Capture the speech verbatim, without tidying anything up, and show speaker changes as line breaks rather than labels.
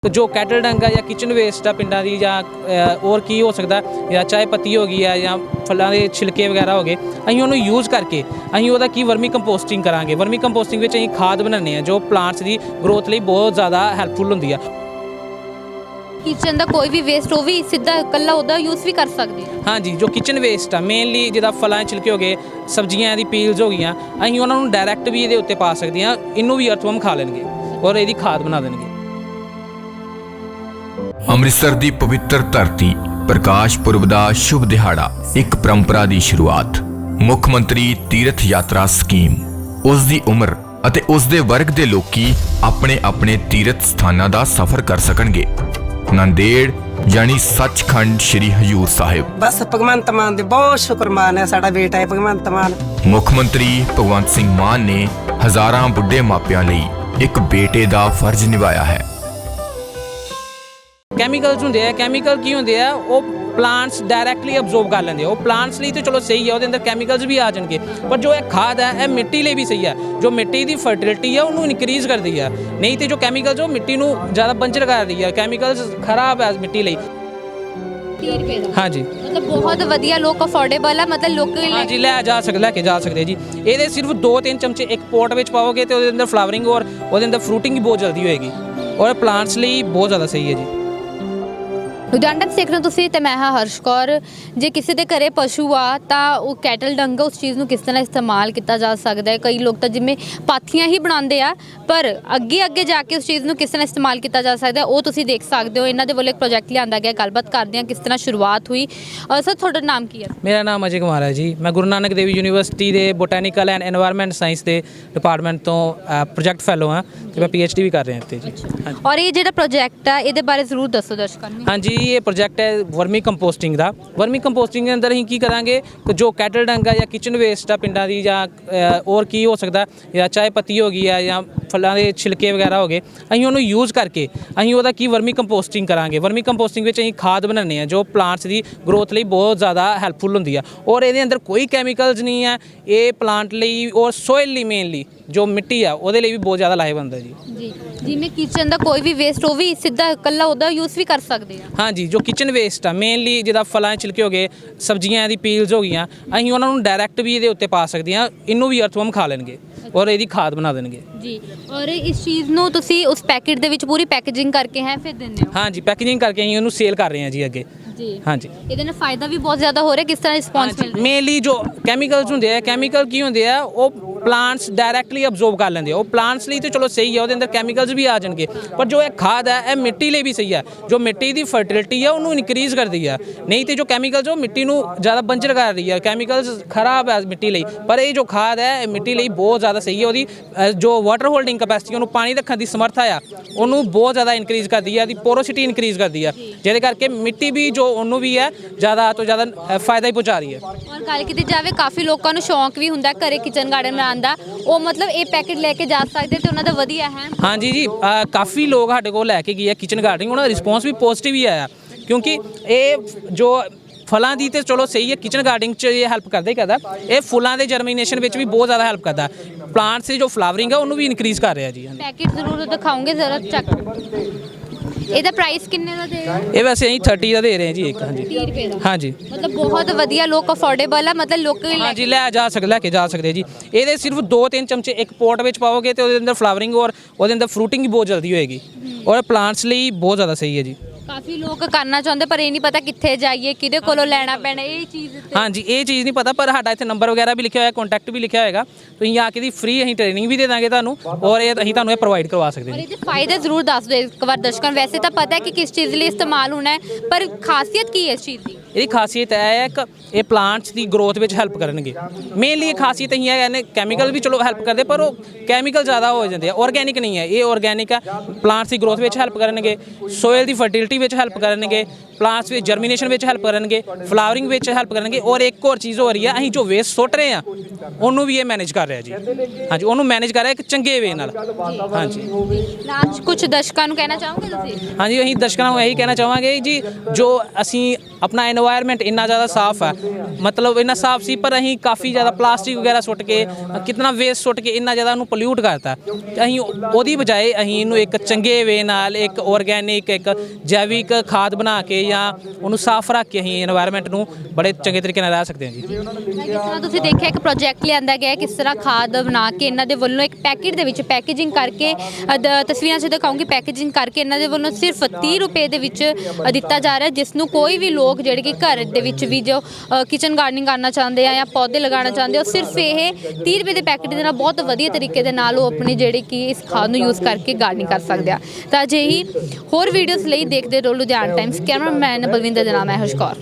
जो कैटल डंग है या किचन वेस्ट है पिंडा दी या और की हो सकता है या चाय पत्ती हो गई है या फलों के छिलके वगैरह हो गए ਅਸੀਂ ਉਹਨੂੰ यूज़ करके ਅਸੀਂ ਉਹਦਾ ਕੀ ਵਰਮੀ ਕੰਪੋਸਟਿੰਗ ਕਰਾਂਗੇ। ਵਰਮੀ ਕੰਪੋਸਟਿੰਗ ਵਿੱਚ ਅਸੀਂ ਖਾਦ ਬਣਾਉਂਦੇ ਹਾਂ जो प्लांट्स ਦੀ ग्रोथ ਲਈ बहुत ज़्यादा ਹੈਲਪਫੁਲ ਹੁੰਦੀ ਆ।
किचन का कोई भी वेस्ट हो भी सीधा कल्ला ਉਹਦਾ यूज़ भी कर सकते हैं।
हाँ जी, जो किचन वेस्ट है मेनली जिदा फलों के छिलके हो गए सब्जियां दी पील्स हो गई ਅਸੀਂ ਉਹਨਾਂ ਨੂੰ डायरैक्ट भी ਇਹਦੇ ਉੱਤੇ ਪਾ ਸਕਦੇ ਹਾਂ। ਇਹਨੂੰ ਵੀ ਅਰਥਵਰਮ ਖਾ ਲੈਣਗੇ ਔਰ ਇਹਦੀ ਖਾਦ ਬਣਾ ਦੇਣਗੇ।
ਅੰਮ੍ਰਿਤਸਰ ਦੀ ਪਵਿੱਤਰ ਧਰਤੀ ਪ੍ਰਕਾਸ਼ ਪੁਰਬ ਦਾ ਸ਼ੁਭ ਦਿਹਾੜਾ ਇੱਕ ਪਰੰਪਰਾ ਦੀ ਸ਼ੁਰੂਆਤ ਮੁੱਖ ਮੰਤਰੀ ਤੀਰਥ ਯਾਤਰਾ ਸਕੀਮ ਉਸ ਦੀ ਉਮਰ ਅਤੇ ਉਸ ਦੇ ਵਰਗ ਦੇ ਲੋਕੀ ਆਪਣੇ ਆਪਣੇ ਤੀਰਥ ਸਥਾਨਾਂ ਦਾ ਸਫ਼ਰ ਕਰ ਸਕਣਗੇ। ਨੰਦੇੜ यानी सचखंड श्री हजूर साहिब
बस भगवंत मान दे बहुत शुक्रमान है साडा बेटा है भगवंत मान।
मुख मंत्री भगवंत सिंह मान ने हजारां बुढ़े मापियां लई एक बेटे दा फर्ज निभाया है।
ਕੈਮੀਕਲਸ ਹੁੰਦੇ ਆ ਕੈਮੀਕਲ ਕੀ ਹੁੰਦੇ ਆ ਉਹ ਪਲਾਂਟਸ ਡਾਇਰੈਕਟਲੀ ਅਬਜ਼ੋਰਬ ਕਰ ਲੈਂਦੇ ਆ। ਉਹ ਪਲਾਂਟਸ ਲਈ ਤਾਂ ਚਲੋ ਸਹੀ ਹੈ, ਉਹਦੇ ਅੰਦਰ ਕੈਮੀਕਲਸ ਵੀ ਆ ਜਾਣਗੇ, ਪਰ ਜੋ ਇਹ ਖਾਦ ਹੈ ਇਹ ਮਿੱਟੀ ਲਈ ਵੀ ਸਹੀ ਹੈ। ਜੋ ਮਿੱਟੀ ਦੀ ਫਰਟੀਲਿਟੀ ਹੈ ਉਹਨੂੰ ਇਨਕਰੀਜ਼ ਕਰਦੀ ਹੈ। ਨਹੀਂ ਤੇ ਜੋ ਕੈਮੀਕਲਸ ਉਹ ਮਿੱਟੀ ਨੂੰ ਜ਼ਿਆਦਾ ਬੰਜਰ ਕਰ ਰਹੀ ਹੈ। ਕੈਮੀਕਲਸ ਖਰਾਬ ਹੈ ਮਿੱਟੀ ਲਈ।
तीस रुपए ਦਾ
हाँ जी,
मतलब बहुत ਵਧੀਆ ਲੋਕ ਅਫੋਰਡੇਬਲ ਹੈ, मतलब ਲੋਕ
हाँ जी ਲੈ ਜਾ ਸਕਦੇ ਲੈ ਕੇ ਜਾ ਸਕਦੇ ਜੀ। ਇਹਦੇ ਸਿਰਫ ਦੋ ਤਿੰਨ ਚਮਚੇ ਇੱਕ ਪੋਟ ਵਿੱਚ ਪਾਓਗੇ ਤੇ ਉਹਦੇ ਅੰਦਰ ਫਲਾਵਰਿੰਗ ਔਰ ਉਹਦੇ ਅੰਦਰ ਫਰੂਟਿੰਗ ਵੀ ਬਹੁਤ ਜਲਦੀ ਹੋਏਗੀ ਔਰ ਪਲਾਂਟਸ ਲਈ ਬਹੁਤ ਜ਼ਿਆਦਾ ਸਹੀ ਹੈ ਜੀ।
ਲੁਧਿਆਣਾ ਤੋਂ ਦੇਖ ਰਹੇ ਹੋ ਤੁਸੀਂ ਤੇ ਮੈਂ ਹਾਂ ਹਰਸ਼ ਕੌਰ। ਜੇ ਕਿਸੇ ਦੇ ਘਰੇ ਪਸ਼ੂ ਆ ਤਾਂ ਉਹ ਕੈਟਲ ਡੰਗ ਉਸ ਚੀਜ਼ ਨੂੰ ਕਿਸ ਤਰ੍ਹਾਂ ਇਸਤੇਮਾਲ ਕੀਤਾ ਜਾ ਸਕਦਾ ਹੈ। ਕਈ ਲੋਕ ਤਾਂ ਜਿਵੇਂ ਪਾਥੀਆਂ ਹੀ ਬਣਾਉਂਦੇ ਆ, ਪਰ ਅੱਗੇ ਅੱਗੇ ਜਾ ਕੇ ਉਸ ਚੀਜ਼ ਨੂੰ ਕਿਸ ਤਰ੍ਹਾਂ ਇਸਤੇਮਾਲ ਕੀਤਾ ਜਾ ਸਕਦਾ ਉਹ ਤੁਸੀਂ ਦੇਖ ਸਕਦੇ ਹੋ। ਇਹਨਾਂ ਦੇ ਵੱਲੋਂ ਇੱਕ ਪ੍ਰੋਜੈਕਟ ਲਿਆਂਦਾ ਗਿਆ, ਗੱਲਬਾਤ ਕਰਦੇ ਹਾਂ ਕਿਸ ਤਰ੍ਹਾਂ ਸ਼ੁਰੂਆਤ ਹੋਈ। ਸਰ ਤੁਹਾਡਾ ਨਾਮ ਕੀ ਹੈ?
ਮੇਰਾ ਨਾਮ ਅਜੇ ਕੁਮਾਰ ਹੈ ਜੀ। ਮੈਂ ਗੁਰੂ ਨਾਨਕ ਦੇਵ ਯੂਨੀਵਰਸਿਟੀ ਦੇ ਬੋਟੈਨੀਕਲ ਐਂਡ ਐਨਵਾਇਰਨਮੈਂਟ ਸਾਇੰਸ ਦੇ ਡਿਪਾਰਟਮੈਂਟ ਤੋਂ ਪ੍ਰੋਜੈਕਟ ਫੈਲੋ ਹਾਂ ਤੇ ਮੈਂ ਪੀ ਐਚ ਡੀ ਵੀ ਕਰ ਰਿਹਾ ਇੱਥੇ ਜੀ।
ਔਰ ਇਹ ਜਿਹੜਾ ਪ੍ਰੋਜੈਕਟ ਆ ਇਹਦੇ ਬਾਰੇ ਜ਼ਰੂਰ ਦੱਸੋ ਦਰਸ਼ਕਾਂ ਨੂੰ।
ਹਾਂਜੀ, ਇਹ ਪ੍ਰੋਜੈਕਟ ਹੈ ਵਰਮੀ ਕੰਪੋਸਟਿੰਗ ਦਾ। ਵਰਮੀ ਕੰਪੋਸਟਿੰਗ ਦੇ ਅੰਦਰ ਅਸੀਂ ਕੀ ਕਰਾਂਗੇ ਕਿ ਜੋ ਕੈਟਲ ਡੰਗ ਹੈ ਜਾਂ ਕਿਚਨ ਵੇਸਟ ਆ ਪਿੰਡਾਂ ਦੀ ਜਾਂ ਹੋਰ ਕੀ ਹੋ ਸਕਦਾ ਜਾਂ ਚਾय ਪੱਤੀ ਹੋ ਗਈ ਹੈ ਜਾਂ ਫਲਾਂ ਦੇ ਛਿਲਕੇ ਵਗੈਰਾ ਹੋ ਗਏ ਅਸੀਂ ਉਹਨੂੰ ਯੂਜ਼ ਕਰਕੇ ਅਸੀਂ ਉਹਦਾ ਕੀ ਵਰਮੀ ਕੰਪੋਸਟਿੰਗ ਕਰਾਂਗੇ। ਵਰਮੀ ਕੰਪੋਸਟਿੰਗ ਵਿੱਚ ਅਸੀਂ ਖਾਦ ਬਣਾਉਂਦੇ ਹਾਂ ਜੋ ਪਲਾਂਟਸ ਦੀ ਗਰੋਥ ਲਈ ਬਹੁਤ ਜ਼ਿਆਦਾ ਹੈਲਪਫੁਲ ਹੁੰਦੀ ਆ ਔਰ ਇਹਦੇ ਅੰਦਰ ਕੋਈ ਕੈਮੀਕਲਸ ਨਹੀਂ ਹੈ। ਇਹ ਪਲਾਂਟ ਲਈ ਔਰ ਸੋਇਲ ਲਈ ਮੇਨਲੀ ਜੋ ਮਿੱਟੀ ਆ ਉਹਦੇ ਲਈ ਵੀ ਬਹੁਤ ਜ਼ਿਆਦਾ ਲਾਹੇਵੰਦ ਹੈ ਜੀ।
ਜੀ ਜਿਵੇਂ ਕਿਚਨ ਦਾ ਕੋਈ ਵੀ ਵੇਸਟ ਉਹ ਵੀ ਸਿੱਧਾ ਇਕੱਲਾ ਉਹਦਾ ਯੂਜ਼ ਵੀ ਕਰ ਸਕਦੇ ਆ।
हाँ जी, जो किचन वेस्ट है मेनली जिदा फलों के छिलके हो गए सब्जियां दी पील्स हो गई ਅਸੀਂ ਉਹਨਾਂ ਨੂੰ डायरैक्ट भी ਇਹਦੇ ਉੱਤੇ ਪਾ ਸਕਦੇ ਹਾਂ। ਇਹਨੂੰ ਵੀ ਅਰਥਵਰਮ ਖਾ ਲੈਣਗੇ ਔਰ ਇਹਦੀ ਖਾਦ ਬਣਾ ਦੇਣਗੇ
ਜੀ। ਔਰ ਇਸ ਚੀਜ਼ ਨੂੰ ਤੁਸੀਂ ਉਸ ਪੈਕੇਟ ਦੇ ਵਿੱਚ ਪੂਰੀ ਪੈਕੇਜਿੰਗ ਕਰਕੇ ਹੈ ਫਿਰ ਦਿੰਦੇ ਹੋ?
हाँ जी, पैकेजिंग करके ਅਸੀਂ ਉਹਨੂੰ ਸੇਲ ਕਰ ਰਹੇ ਹਾਂ ਜੀ ਅੱਗੇ।
ਜੀ
हाँ जी,
ਇਹਦੇ ਨਾਲ ਫਾਇਦਾ ਵੀ ਬਹੁਤ ਜ਼ਿਆਦਾ ਹੋ ਰਿਹਾ। ਕਿਸ ਤਰ੍ਹਾਂ ਰਿਸਪੌਂਸ ਮਿਲ ਰਿਹਾ?
ਮੇਨਲੀ ਜੋ ਕੈਮੀਕਲਸ ਹੁੰਦੇ ਆ ਕੈਮੀਕਲ ਕੀ ਹੁੰਦੇ ਆ ਉਹ ਪਲਾਂਟਸ ਡਾਇਰੈਕਟਲੀ ਅਬਜ਼ੋਰਬ ਕਰ ਲੈਂਦੇ ਆ। ਉਹ ਪਲਾਂਟਸ ਲਈ ਤਾਂ ਚਲੋ ਸਹੀ ਹੈ, ਉਹਦੇ ਅੰਦਰ ਕੈਮੀਕਲਸ ਵੀ ਆ ਜਾਣਗੇ, ਪਰ ਜੋ ਇਹ ਖਾਦ ਹੈ ਇਹ ਮਿੱਟੀ ਲਈ ਵੀ ਸਹੀ ਹੈ। ਜੋ ਮਿੱਟੀ ਦੀ ਫਰਟੀਲਿਟੀ ਹੈ ਉਹਨੂੰ ਇਨਕਰੀਜ਼ ਕਰਦੀ ਹੈ। ਨਹੀਂ ਤੇ ਜੋ ਕੈਮੀਕਲਸ ਉਹ ਮਿੱਟੀ ਨੂੰ ਜ਼ਿਆਦਾ ਬੰਜਰ ਕਰ ਰਹੀ ਹੈ। ਕੈਮੀਕਲਸ ਖਰਾਬ ਹੈ ਮਿੱਟੀ ਲਈ, ਪਰ ਇਹ ਜੋ ਖਾਦ ਹੈ ਇਹ ਮਿੱਟੀ ਲਈ ਬਹੁਤ ਜ਼ਿਆਦਾ ਸਹੀ ਹੈ। ਉਹਦੀ ਜੋ ਵਾਟਰ ਹੋਲਡਿੰਗ ਕਪੈਸਿਟੀ ਉਹਨੂੰ ਪਾਣੀ ਰੱਖਣ ਦੀ ਸਮਰੱਥਾ ਆ ਉਹਨੂੰ ਬਹੁਤ ਜ਼ਿਆਦਾ ਇਨਕਰੀਜ਼ ਕਰਦੀ ਹੈ। ਉਹਦੀ ਪੋਰੋਸਿਟੀ ਇਨਕਰੀਜ਼ ਕਰਦੀ ਹੈ ਜਿਹਦੇ ਕਰਕੇ ਮਿੱਟੀ ਵੀ ਜੋ ਉਹਨੂੰ ਵੀ ਹੈ ਜ਼ਿਆਦਾ ਤੋਂ ਜ਼ਿਆਦਾ ਫਾਇਦਾ ਹੀ ਪਹੁੰਚਾ ਰਹੀ ਹੈ।
ਔਰ ਗੱਲ ਕੀਤੀ ਜਾਵੇ ਕਾਫੀ ਲੋਕਾਂ ਨੂੰ ਸ਼ੌਂਕ ਵੀ ਹੁੰਦਾ ਘਰੇ ਕਿਚਨ ਗਾਰਡਨ ਬਣਾਉਣ ਦਾ, ਉਹ ਮਤਲਬ ਇਹ ਪੈਕੇਟ ਲੈ ਕੇ ਜਾ ਸਕਦੇ ਤੇ ਉਹਨਾਂ ਦਾ ਵਧੀਆ ਹੈ।
ਹਾਂਜੀ ਜੀ, ਕਾਫੀ ਲੋਕ ਸਾਡੇ ਕੋਲ ਲੈ ਕੇ ਗਏ ਆ ਕਿਚਨ ਗਾਰਡਨਿੰਗ, ਉਹਨਾਂ ਦਾ ਰਿਸਪੌਂਸ ਵੀ ਪੋਜ਼ਿਟਿਵ ਹੀ ਆਇਆ ਕਿਉਂਕਿ ਇਹ ਜੋ ਫਲਾਂ ਦੀ ਤੇ ਚਲੋ ਸਹੀ ਹੈ ਕਿਚਨ ਗਾਰਡਨਿੰਗ 'ਚ ਇਹ ਹੈਲਪ ਕਰਦਾ ਹੀ ਕਰਦਾ, ਇਹ ਫੁੱਲਾਂ ਦੇ ਜਰਮੀਨੇਸ਼ਨ ਵਿੱਚ ਵੀ ਬਹੁਤ ਜ਼ਿਆਦਾ ਹੈਲਪ ਕਰਦਾ। ਪਲਾਂਟਸ ਦੀ ਜੋ ਫਲਾਵਰਿੰਗ ਹੈ ਉਹਨੂੰ ਵੀ ਇਨਕਰੀਜ਼ ਕਰ ਰਿਹਾ ਜੀ।
ਪੈਕੇਟ ਜ਼ਰੂਰ ਦਿਖਾਉਂਗੇ ਜ਼ਰਾ ਚੈੱਕ। ਇਹਦਾ ਪ੍ਰਾਈਸ ਕਿੰਨੇ ਦਾ ਦੇ ਰਹੇ ਹੋ?
ਇਹ ਵੈਸੇ ਅਸੀਂ तीस ਦਾ ਦੇ ਰਹੇ ਹਾਂ ਜੀ ਇੱਕ। ਹਾਂਜੀ
तीस ਰੁਪਏ ਦਾ।
ਹਾਂਜੀ,
ਮਤਲਬ ਬਹੁਤ ਵਧੀਆ ਲੋਕ ਅਫੋਰਡੇਬਲ ਆ, ਮਤਲਬ ਲੋਕ
हाँ जी ਲੈ ਜਾ ਸਕਦੇ ਲੈ ਕੇ ਜਾ ਸਕਦੇ ਜੀ। ਇਹਦੇ ਸਿਰਫ ਦੋ ਤਿੰਨ ਚਮਚੇ ਇੱਕ ਪੋਟ ਵਿੱਚ ਪਾਓਗੇ ਤੇ ਉਹਦੇ ਅੰਦਰ ਫਲਾਵਰਿੰਗ ਔਰ ਉਹਦੇ ਅੰਦਰ ਫਰੂਟਿੰਗ ਵੀ ਬਹੁਤ ਜਲਦੀ ਹੋਏਗੀ ਔਰ ਪਲਾਂਟਸ ਲਈ ਬਹੁਤ ਜ਼ਿਆਦਾ ਸਹੀ ਹੈ ਜੀ।
ਕਾਫੀ ਲੋਕ ਕਰਨਾ ਚਾਹੁੰਦੇ ਪਰ ਇਹ ਨਹੀਂ ਪਤਾ ਕਿੱਥੇ ਜਾਈਏ, ਕਿਹਦੇ ਕੋਲੋਂ ਲੈਣਾ ਪੈਣਾ ਇਹ ਚੀਜ਼ ਤੇ।
ਹਾਂਜੀ, ਇਹ ਚੀਜ਼ ਨਹੀਂ ਪਤਾ, ਪਰ ਸਾਡਾ ਇੱਥੇ ਨੰਬਰ ਵਗੈਰਾ ਵੀ ਲਿਖਿਆ ਹੋਇਆ, ਕੰਟੈਕਟ ਵੀ ਲਿਖਿਆ ਹੋਏਗਾ। ਤੁਸੀਂ ਆ ਕੇ ਦੀ ਫ੍ਰੀ ਅਸੀਂ ਟ੍ਰੇਨਿੰਗ ਵੀ ਦੇ ਦਾਂਗੇ ਤੁਹਾਨੂੰ ਔਰ ਇਹ ਅਸੀਂ ਤੁਹਾਨੂੰ ਇਹ ਪ੍ਰੋਵਾਈਡ ਕਰਵਾ ਸਕਦੇ
ਔਰ
ਜੀ।
ਇਹਦੇ ਫਾਇਦੇ ਜ਼ਰੂਰ ਦੱਸ ਦਿਓ ਇੱਕ ਵਾਰ ਦਰਸ਼ਕਾਂ ਨੂੰ। ਵੈਸੇ ਤਾਂ ਪਤਾ ਹੈ ਕਿ ਕਿਸ ਚੀਜ਼ ਲਈ ਇਸਤੇਮਾਲ ਹੋਣਾ ਹੈ, ਪਰ ਖਾਸੀਅਤ ਕੀ ਹੈ ਇਸ ਚੀਜ਼ ਦੀ?
ਇਹਦੀ ਖਾਸੀਅਤ ਇਹ ਹੈ ਕਿ ਇਹ ਪਲਾਂਟਸ ਦੀ ਗਰੋਥ ਵਿੱਚ ਹੈਲਪ ਕਰਨਗੇ। ਮੇਨਲੀ ਇਹ ਖਾਸੀਅਤ ਇਹ ਹੈ ਕਿ ਕੈਮੀਕਲ ਵੀ ਚਲੋ ਹੈਲਪ ਕਰਦੇ, ਪਰ ਉਹ ਕੈਮੀਕਲ ਜ਼ਿਆਦਾ ਹੋ ਜਾਂਦੇ ਆ, ਆਰਗੈਨਿਕ ਨਹੀਂ ਹੈ। ਇਹ ਆਰਗੈਨਿਕ ਹੈ, ਪਲਾਂਟਸ ਦੀ ਗਰੋਥ ਵਿੱਚ ਹੈਲਪ ਕਰਨਗੇ, ਸੋਇਲ ਦੀ ਫਰਟੀਲਿਟੀ ਵਿੱਚ ਹੈਲਪ ਕਰਨਗੇ, ਪਲਾਂਟਸ ਵਿੱਚ ਜਰਮੀਨੇਸ਼ਨ ਵਿੱਚ ਹੈਲਪ ਕਰਨਗੇ, ਫਲਾਵਰਿੰਗ ਵਿੱਚ ਹੈਲਪ ਕਰਨਗੇ। ਔਰ ਇੱਕ ਹੋਰ ਚੀਜ਼ ਹੋ ਰਹੀ ਹੈ, ਅਸੀਂ ਜੋ ਵੇਸਟ ਸੁੱਟ ਰਹੇ ਹਾਂ ਉਹਨੂੰ ਵੀ ਇਹ ਮੈਨੇਜ ਕਰ ਰਿਹਾ ਜੀ। ਹਾਂਜੀ, ਉਹਨੂੰ ਮੈਨੇਜ ਕਰ ਰਿਹਾ ਇੱਕ ਚੰਗੇ ਵੇ ਨਾਲ। ਹਾਂਜੀ,
ਲਾਸਟ ਕੁਝ ਦਰਸ਼ਕਾਂ ਨੂੰ ਕਹਿਣਾ ਚਾਹੋਗੇ ਤੁਸੀਂ?
ਹਾਂਜੀ, ਅਸੀਂ ਦਰਸ਼ਕਾਂ ਨੂੰ ਇਹੀ ਕਹਿਣਾ ਚਾਹਾਂਗੇ ਜੀ, ਜੋ ਅਸੀਂ ਆਪਣਾ এনवायरमेंट ਇੰਨਾ ਜ਼ਿਆਦਾ ਸਾਫ਼ ਹੈ, ਮਤਲਬ ਇੰਨਾ ਸਾਫ਼ ਸੀ ਪਰ ਅਸੀਂ ਕਾਫੀ ਜ਼ਿਆਦਾ ਪਲਾਸਟਿਕ ਵਗੈਰਾ ਸੁੱਟ ਕੇ ਕਿਤਨਾ ਵੇਸਟ ਸੁੱਟ ਕੇ ਇੰਨਾ ਜ਼ਿਆਦਾ ਉਹਨੂੰ ਪੋਲਿਊਟ ਕਰਤਾ। ਅਸੀਂ ਉਹਦੀ ਬਜਾਏ ਅਸੀਂ ਇਹਨੂੰ ਇੱਕ ਚੰਗੇ ਵੇ ਨਾਲ ਇੱਕ ਆਰਗੈਨਿਕ ਇੱਕ ਜੈਵਿਕ ਖਾਦ ਬਣਾ ਕੇ ਜਾਂ ਉਹਨੂੰ ਸਾਫ਼ ਰੱਖ ਕੇ ਅਸੀਂ এনवायरमेंट ਨੂੰ ਬੜੇ ਚੰਗੇ ਤਰੀਕੇ ਨਾਲ ਰਹਿ ਸਕਦੇ ਹਾਂ ਜੀ।
ਜਿਸ ਤਰ੍ਹਾਂ ਤੁਸੀਂ ਦੇਖਿਆ ਇੱਕ ਪ੍ਰੋਜੈਕਟ ਲਿਆਂਦਾ ਗਿਆ ਹੈ, ਕਿਸ ਤਰ੍ਹਾਂ ਖਾਦ ਬਣਾ ਕੇ ਇਹਨਾਂ ਦੇ ਵੱਲੋਂ ਇੱਕ ਪੈਕੇਟ ਦੇ ਵਿੱਚ ਪੈਕੇਜਿੰਗ ਕਰਕੇ ਅ, ਦ- ਤਸਵੀਰਾਂ 'ਚ ਦਿਖਾਉਂਗੀ, ਪੈਕੇਜਿੰਗ ਕਰਕੇ ਇਹਨਾਂ ਦੇ ਵੱਲੋਂ ਸਿਰਫ ਤੀਹ ਰੁਪਏ ਦੇ ਵਿੱਚ ਅ, ਦਿੱਤਾ ਜਾ ਰਿਹਾ, ਜਿਸ ਨੂੰ ਕੋਈ ਵੀ ਲੋਕ ਜਿਹੜੇ ਕਿ ਘਰ ਦੇ ਵਿੱਚ ਵੀ ਜੋ ਕਿਚਨ ਗਾਰਡਨਿੰਗ ਕਰਨਾ ਚਾਹੁੰਦੇ ਆ ਜਾਂ ਪੌਦੇ ਲਗਾਉਣਾ ਚਾਹੁੰਦੇ ਹੋ, ਸਿਰਫ ਇਹ ਤੀਹ ਰੁਪਏ ਦੇ ਪੈਕੇਟ ਦੇ ਨਾਲ ਬਹੁਤ ਵਧੀਆ ਤਰੀਕੇ ਦੇ ਨਾਲ ਉਹ ਆਪਣੀ ਜਿਹੜੀ ਕਿ ਇਸ ਖਾਦ ਨੂੰ ਯੂਜ਼ ਕਰਕੇ ਗਾਰਡਨਿੰਗ ਕਰ ਸਕਦੇ ਆ। ਤਾਂ ਅਜਿਹੀ ਹੋਰ ਵੀਡੀਓਜ਼ ਲਈ ਦੇਖਦੇ ਰਹੋ ਲੁਧਿਆਣਾ ਟਾਈਮਸ। ਕੈਮਰਾਮੈਨ ਬਲਵਿੰਦਰ ਦੇ ਨਾਮ ਹੈ ਹਰਸ਼ ਕੌਰ।